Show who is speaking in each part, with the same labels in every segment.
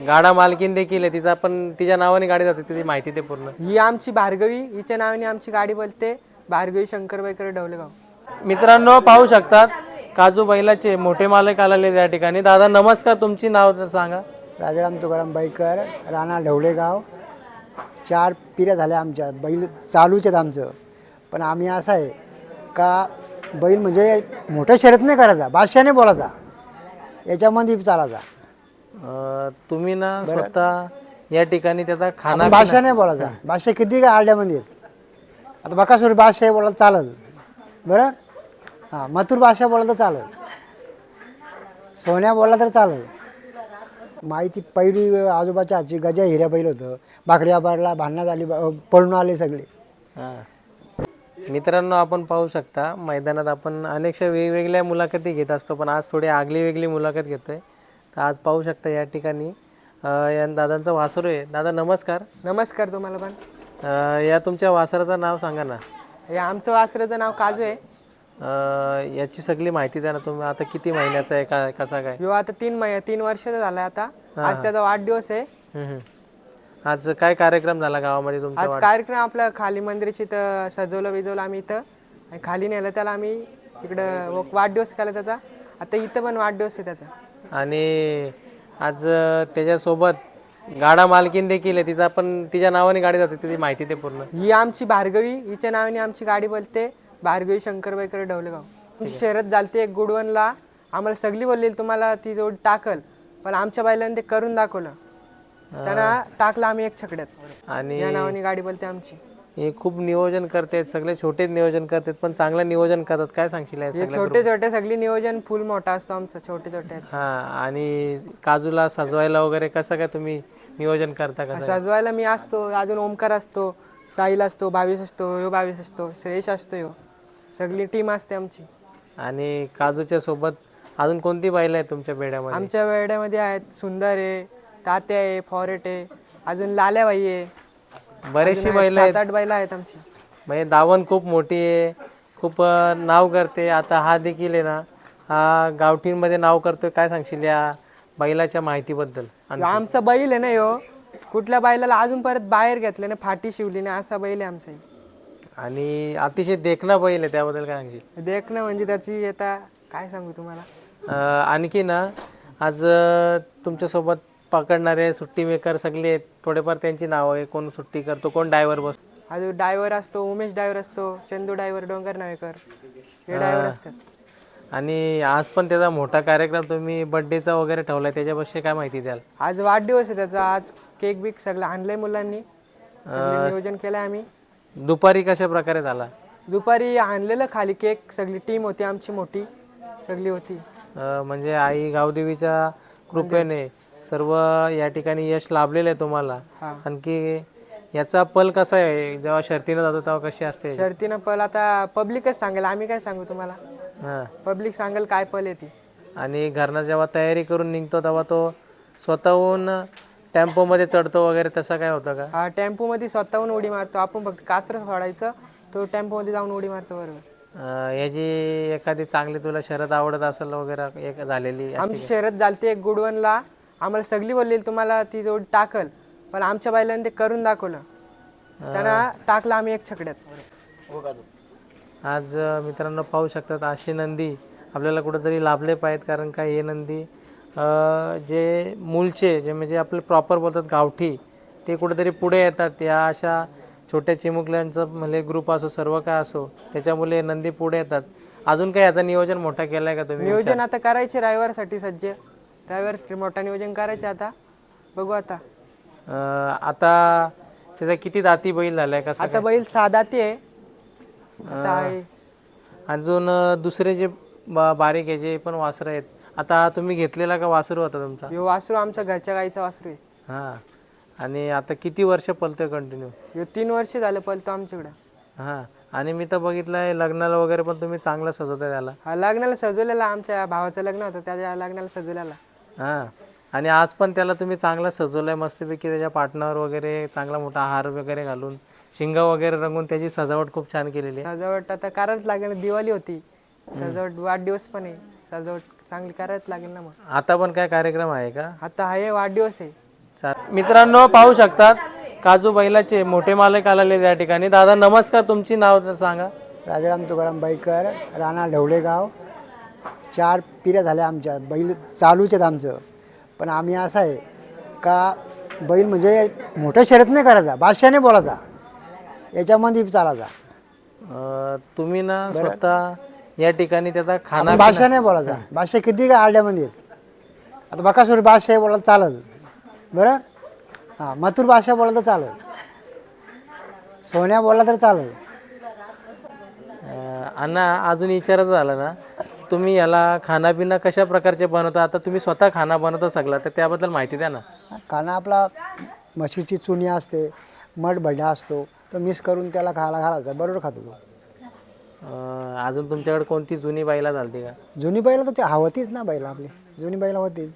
Speaker 1: गाडा मालकीन देखील आहे, तिचा पण तिच्या नावाने गाडी जाते, तिची माहिती ते पूर्ण.
Speaker 2: ही आमची भार्गवी, हिच्या नावाने आमची गाडी बोलते, भार्गवी शंकरबाईकर ढवलेगाव.
Speaker 1: मित्रांनो पाहू शकतात काजू बैलाचे मोठे मालक आलेले या ठिकाणी. दादा नमस्कार, तुमची नाव सांगा.
Speaker 3: राजाराम तुकाराम बाईकर, राणा ढवळेगाव. 4 पिढ्या झाल्या आमच्या, बैल चालूच आहेत आमचं. पण आम्ही असं आहे का बैल म्हणजे मोठ्या शर्यत नाही करायचा, बादशाने बोलायचा, याच्यामध्ये चालायचा.
Speaker 1: तुम्ही ना स्वतः या ठिकाणी त्याचा खाना
Speaker 3: बादशाह नाही बोलायचा. बादशाह किती काय आड्यामध्ये आहेत. आता बकासूर बादशाह बोलायला चालल बरं. हां, मथुर बादशाह बोलला तर चालल, सोन्या बोलला तर चालल. माहिती पहिली आजोबाच्या हातची गजा हिऱ्या बैल होतं. भाकऱ्या बारला भांडणात आली, पळून आले सगळे.
Speaker 1: मित्रांनो आपण पाहू शकता मैदानात आपण अनेकशा वेगवेगळ्या मुलाखती घेत असतो, पण आज थोडी आगली वेगळी मुलाखत घेतोय. तर आज पाहू शकता या ठिकाणी या दादांचा वासरू आहे. दादा नमस्कार.
Speaker 2: नमस्कार तुम्हाला पण.
Speaker 1: या तुमच्या वासराचं नाव सांगा ना.
Speaker 2: हे आमचं वासराचं नाव काजू आहे.
Speaker 1: याची सगळी माहिती द्या ना तुम्ही. आता किती महिन्याचा आहे, का कसा काय?
Speaker 2: ह्यो आता 3 वर्षाचा झालाय आता. आज त्याचा वाढदिवस आहे.
Speaker 1: आज काय कार्यक्रम झाला गावामध्ये तुमचा?
Speaker 2: आज कार्यक्रम आपल्या खाली मंदिराची इथं सजवलं बिजवलं आम्ही इथं, आणि खाली नेलं त्याला आम्ही. इकडं वाढदिवस केला त्याचा. आता इथं पण वाढदिवस आहे त्याचा.
Speaker 1: आणि आज त्याच्यासोबत गाडा मालकीन देखील आहे, तिचा पण तिच्या नावाने गाडी जाते, तिची माहिती ते पूर्ण.
Speaker 2: ही आमची भार्गवी, हिच्या नावाने आमची गाडी बोलते, भार्गवी शंकरबाईकर ढवलेगाव. शर्यत झालती एक गुडवनला. आम्हाला सगळी बोलली तुम्हाला ती जोड टाकल, पण आमच्या बैलांनी ते करून दाखवलं. त्यांना टाकलं आम्ही एक छकड्यात, आणि या नावाने गाडी बोलते आमची.
Speaker 1: हे खूप नियोजन करतात, सगळे छोटे नियोजन करतात, पण चांगलं नियोजन करतात. काय सांगशील या सगळ्या?
Speaker 2: छोटे छोटे सगळी नियोजन फुल मोठा असतो आमचं, छोटे छोटे.
Speaker 1: हा, आणि काजूला सजवायला वगैरे कसं काय तुम्ही नियोजन करता का?
Speaker 2: सजवायला मी असतो, अजून ओमकार असतो, साहिल असतो, 22 असतो, ह्यो 22 असतो, श्रेयश असतो, ह्यो सगळी टीम असते आमची.
Speaker 1: आणि काजूच्या सोबत अजून कोणती बैल आहे तुमच्या बेड्यामध्ये?
Speaker 2: आमच्या बेड्यामध्ये आहेत सुंदर आहे, तात्या आहे, फॉरेट आहे, अजून लाल्याबाई आहे.
Speaker 1: बरेचशी बैल आहेत,
Speaker 2: 7-8 बैल आहेत आमची.
Speaker 1: म्हणजे दावण खूप मोठी आहे, खूप नाव करते. आता हा देखील आहे ना, हा गावठींमध्ये नाव करतोय. काय सांगशील या बैलाच्या माहितीबद्दल?
Speaker 2: आमचा बैल आहे ना ह्यो, कुठल्या बैलाला अजून परत बाहेर घेतलं ना, फाटी शिवली ना, असा बैल आहे आमचा.
Speaker 1: आणि अतिशय देखणा बैल आहे, त्याबद्दल काय सांगशील?
Speaker 2: देखणं म्हणजे त्याची आता काय सांगू तुम्हाला.
Speaker 1: आणखी ना आज तुमच्यासोबत पकडणारे सुट्टी मेकर सगळे आहेत, थोडेफार त्यांची नावं आहे. कोण सुट्टी करतो, कोण ड्रायव्हर बसतो?
Speaker 2: अजून ड्रायव्हर असतो, उमेश ड्रायव्हर असतो, चंदू ड्रायव्हर, डोंगर नावेकर, हे ड्रायव्हर असतात.
Speaker 1: आणि आज पण त्याचा मोठा कार्यक्रम तुम्ही बर्थडेचा वगैरे ठेवलाय, त्याच्याविषयी काय माहिती द्याल?
Speaker 2: आज वाढदिवस आहे त्याचा. आज केक बिक सगळं आणलंय मुलांनी, सगळं नियोजन केलंय आम्ही.
Speaker 1: दुपारी कशा प्रकारे झाला?
Speaker 2: दुपारी आणलेलं खाली केक, सगळी टीम होती आमची, मोठी सगळी होती.
Speaker 1: म्हणजे आई गावदेवीच्या कृपेने सर्व या ठिकाणी यश लाभलेलं आहे तुम्हाला. आणखी याचा पल कसा आहे, जेव्हा शर्तीनं जातो तेव्हा कशी असते?
Speaker 2: शर्तीनं पल आता पब्लिकच सांगेल, आम्ही काय सांगू तुम्हाला. पब्लिक सांगेल काय पल येते.
Speaker 1: आणि घरनं जेव्हा तयारी करून निघतो तेव्हा तो स्वतःहून टेम्पोमध्ये चढतो वगैरे, तसं काय होतं का?
Speaker 2: हा, टेम्पोमध्ये स्वतःहून उडी मारतो. आपण फक्त कासरं सोडायचं, तो टेम्पोमध्ये जाऊन उडी मारतो. बरोबर.
Speaker 1: याची एखादी चांगली तुला शर्यत आवडत असेल वगैरे एक झालेली?
Speaker 2: आमची शर्यत झालती एक गुडवनला. आम्हाला सगळी बोलली तुम्हाला ती जोड टाकल, पण आमच्या बैलांनी ते करून दाखवलं. त्यांना टाकलं आम्ही एक छकड्यात.
Speaker 1: आज मित्रांनो पाहू शकतात अशी नंदी आपल्याला कुठंतरी लाभले पाहिजेत. कारण काय, हे नंदी जे मूलचे जे म्हणजे आपले प्रॉपर बोलतात गावठी, ते कुठेतरी पुढे येतात. या अशा छोट्या चिमुकल्यांचं म्हणजे ग्रुप असो, सर्व काय असो, त्याच्यामुळे नंदी पुढे येतात. अजून काय याचं नियोजन मोठा केलंय का तुम्ही?
Speaker 2: नियोजन आता करायचे ड्रायव्हरसाठी सज्ज. ड्रायव्हर मोठा नियोजन करायचे आता, बघू आता.
Speaker 1: आता त्याचा किती दाती बैल झालाय का?
Speaker 2: आता बैल 6 दाती आहे.
Speaker 1: अजून दुसरे जे बारीक आहे जे पण वासरं आहेत, आता तुम्ही घेतलेला का वासरू होता तुमचा?
Speaker 2: ह्यो वासरू आमच्या घरच्या गाईचा वासरू आहे.
Speaker 1: हां. आणि आता किती वर्ष पलतोय कंटिन्यू?
Speaker 2: ह्यो 3 वर्ष झालं पलतो आमच्याकडं.
Speaker 1: हां. आणि मी तर बघितलंय लग्नाला वगैरे पण तुम्ही चांगलं सजवताय त्याला.
Speaker 2: हा, लग्नाला सजवलेला. आमच्या भावाचं लग्न होतं, त्याच्या लग्नाला सजवलेला.
Speaker 1: हां. आणि आज पण त्याला तुम्ही चांगला सजवलंय मस्तपैकी, त्याच्या पाटणावर वगैरे चांगला मोठा हार वगैरे घालून, शिंग वगैरे रंगून त्याची सजावट खूप छान केलेली आहे.
Speaker 2: सजावट आता करायच लागेल, दिवाळी होती, सजावट वाढदिवस पण आहे, सजावट चांगली करायच लागेल ना. मग
Speaker 1: आता पण काय कार्यक्रम आहे का?
Speaker 2: आता आहे वाढदिवस आहे.
Speaker 1: मित्रांनो पाहू शकतात काजू बैलाचे मोठे मालक आलेले या ठिकाणी. दादा नमस्कार, तुमची नाव तर सांगा.
Speaker 3: राजाराम तुकाराम बाईकर, राणा ढवळेगाव. 4 पिढ्या झाल्या आमच्या, बैल चालूच आहेत आमचं. पण आम्ही असं आहे का बैल म्हणजे मोठ्या शर्यत नाही करायचा, बादशाने बोलायचा, याच्यामध्ये चालायचा.
Speaker 1: तुम्ही ना स्वतः या ठिकाणी त्याचा खाना
Speaker 3: बादशाह नाही बोलायचा. बादशाह किती काय आरड्यामध्ये आहेत. आता बकासूर बादशाह बोलायला चालल, बरं. हां, मथुर बादशाह बोला तर चालेल, सोन्या बोलला तर चालेल.
Speaker 1: अण्णा अजून विचारायचं झालं ना, तुम्ही याला खानापिना कशा प्रकारचे बनवता? आता तुम्ही स्वतः खाना बनवता सगळा, तर त्याबद्दल माहिती द्या ना.
Speaker 3: खाना आपला म्हशीची चुनी असते, मठ भडा असतो, तो मिक्स करून त्याला खायला घालायचा, बरोबर खातो तो.
Speaker 1: अजून तुमच्याकडे कोणती जुनी बैला चालते का?
Speaker 3: जुनी बैल तर ते हवतीच ना, बैल आपली जुनी बैल होतीच.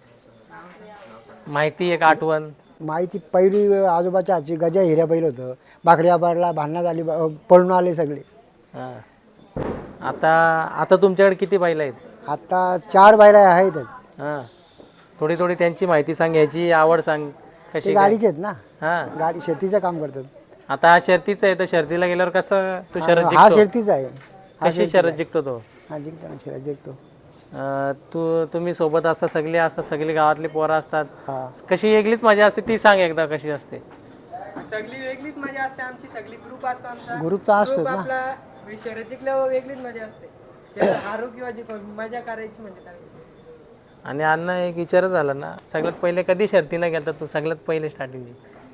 Speaker 1: माहिती एक आठवण
Speaker 3: माहिती पहिली आजोबाच्या हातची गजा हिऱ्या बैल होतं, भाकऱ्या बारला भांडणात आली, पळून आले सगळे.
Speaker 1: हां. आता आता तुमच्याकडे किती बैल आहेत?
Speaker 3: आता 4 बैल आहेतच.
Speaker 1: हां, थोडी थोडी त्यांची माहिती सांग, याची आवड सांग
Speaker 3: ते
Speaker 1: कशी.
Speaker 3: गाडीचे आहेत ना,
Speaker 1: हां,
Speaker 3: गाडी शेतीचं काम करतात.
Speaker 1: आता हा शर्तीचा आहे, तर शर्तीला गेल्यावर कसं तू शर्यत
Speaker 3: हा
Speaker 1: जिंकतो?
Speaker 3: शेतीचा आहे.
Speaker 1: कशी शर्यत जिंकतो तो?
Speaker 3: हा जिंकताना शर्यत जिंकतो.
Speaker 1: तुम्ही सोबत असता, सगळे असतात, सगळी गावातली पोरं असतात,
Speaker 3: हा
Speaker 1: कशी वेगळीच मजा असते ती सांग एकदा, कशी असते?
Speaker 2: सगळी वेगळीच मजा असते आमची. सगळी ग्रुप असतो आमचा.
Speaker 3: ग्रुप तर असतोच
Speaker 2: ग्रुप
Speaker 3: ना.
Speaker 2: आपला शर्यत जिंकल्यावर वेगळीच मजा असते. शर्यत हारू किंवा जिंकू मजा करायची म्हणजे करायची.
Speaker 1: आणि अण्णा एक विचारच झाला ना, सगळ्यात पहिले कधी शर्तीला गेलता तू? सगळ्यात पहिले स्टार्टिंग.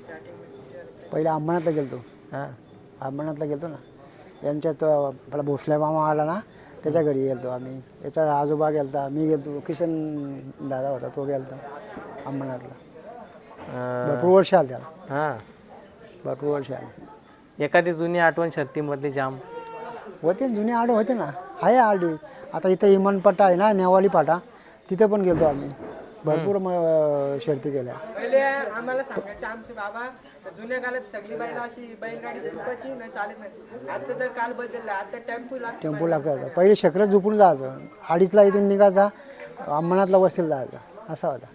Speaker 3: पहिले अंबरनाथला गेलतो.
Speaker 1: हां,
Speaker 3: अंबरनाथला गेलतो ना, यांच्यात आपला भोसले मामा आला ना, त्याच्या घरी गेलतो आम्ही. याचा आजोबा गेलता, मी गेलतो, किशन दादा होता तो गेलता अंबरनाथला. भरपूर वर्ष आलं त्याला,
Speaker 1: हां.
Speaker 3: भरपूर वर्ष आले.
Speaker 1: एखादी जुनी आठवण शर्तीमधली जाम?
Speaker 3: होते जुने आडे होते ना, आहे आडे. आता इथं इमानपाटा आहे ना, नेवाली पाटा, तिथे पण गेलतो आम्ही. भरपूर शर्ती केल्या.
Speaker 2: पहिले आम्हाला सांगायचे आमचे बाबा, जुन्या काळात सगळी बैल अशी बैलगाडी झुपायची नाही, चालत नाही. आता तर काल बदलला, आता टेम्पो लागतो.
Speaker 3: टेम्पो लागतात. पहिले शकरत झोपून जायचं, 2:30ला इथून निघायचा, अंबरनाथला वस्तीला जायचा, असा होता.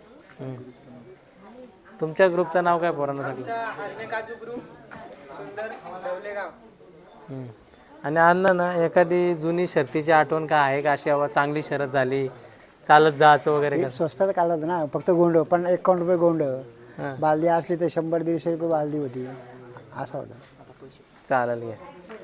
Speaker 1: तुमच्या ग्रुपचं नाव काय पोरांना सांगितलं?
Speaker 2: आमचा हरणे काजू ग्रुप, सुंदर ढवलेगाव.
Speaker 1: आणि अण्णा ना, एखादी जुनी शर्तीची आठवण काय आहे का? अशी बाबा चांगली शर्यत झाली, चालत जायचं वगैरे
Speaker 3: हे
Speaker 1: का?
Speaker 3: स्वस्तात काढलं ना, फक्त गोंड, पण 51 रुपये गोंड.
Speaker 1: हां.
Speaker 3: बालदी असली तर 100-150 रुपये बालदी होती, असा होता.
Speaker 1: चालेल घ्या.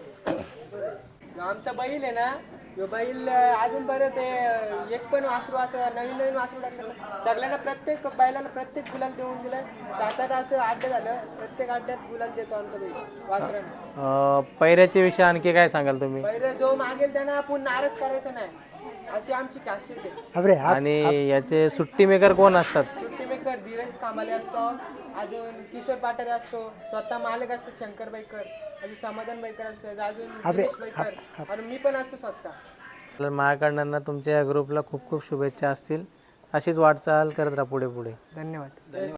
Speaker 2: आमचा बैल आहे ना, तो बैल अजून परत एक पण वासरू असं नवीन नवीन वासरू टाकलं. सगळ्यांना प्रत्येक बैलाला प्रत्येक गुलाल देऊन दिलं. 7-8 असं अड्डे झालं, प्रत्येक अड्ड्यात गुलाल देतो आमचा बैल वासरांना.
Speaker 1: पैऱ्याच्या विषयी आणखी काय सांगाल तुम्ही?
Speaker 2: बैल जो मागेल त्यांना आपण नाराज करायचं नाही, अशी आमची खासियत आहे.
Speaker 3: अरे
Speaker 1: आणि याचे सुट्टी मेकर कोण असतात?
Speaker 2: सुट्टी मेकर धीरज कामाले असतो, अजून किशोर पाटारे असतो, स्वतः मालक असतात शंकर बाईकर, अजून समाधान बाईकर असतात, अजून दिनेश बाईकर, आणि मी पण असतो स्वतः.
Speaker 1: तर माझ्याकडनं ना तुमच्या या ग्रुपला खूप खूप शुभेच्छा असतील. अशीच वाटचाल करत राहा पुढे पुढे.
Speaker 2: धन्यवाद.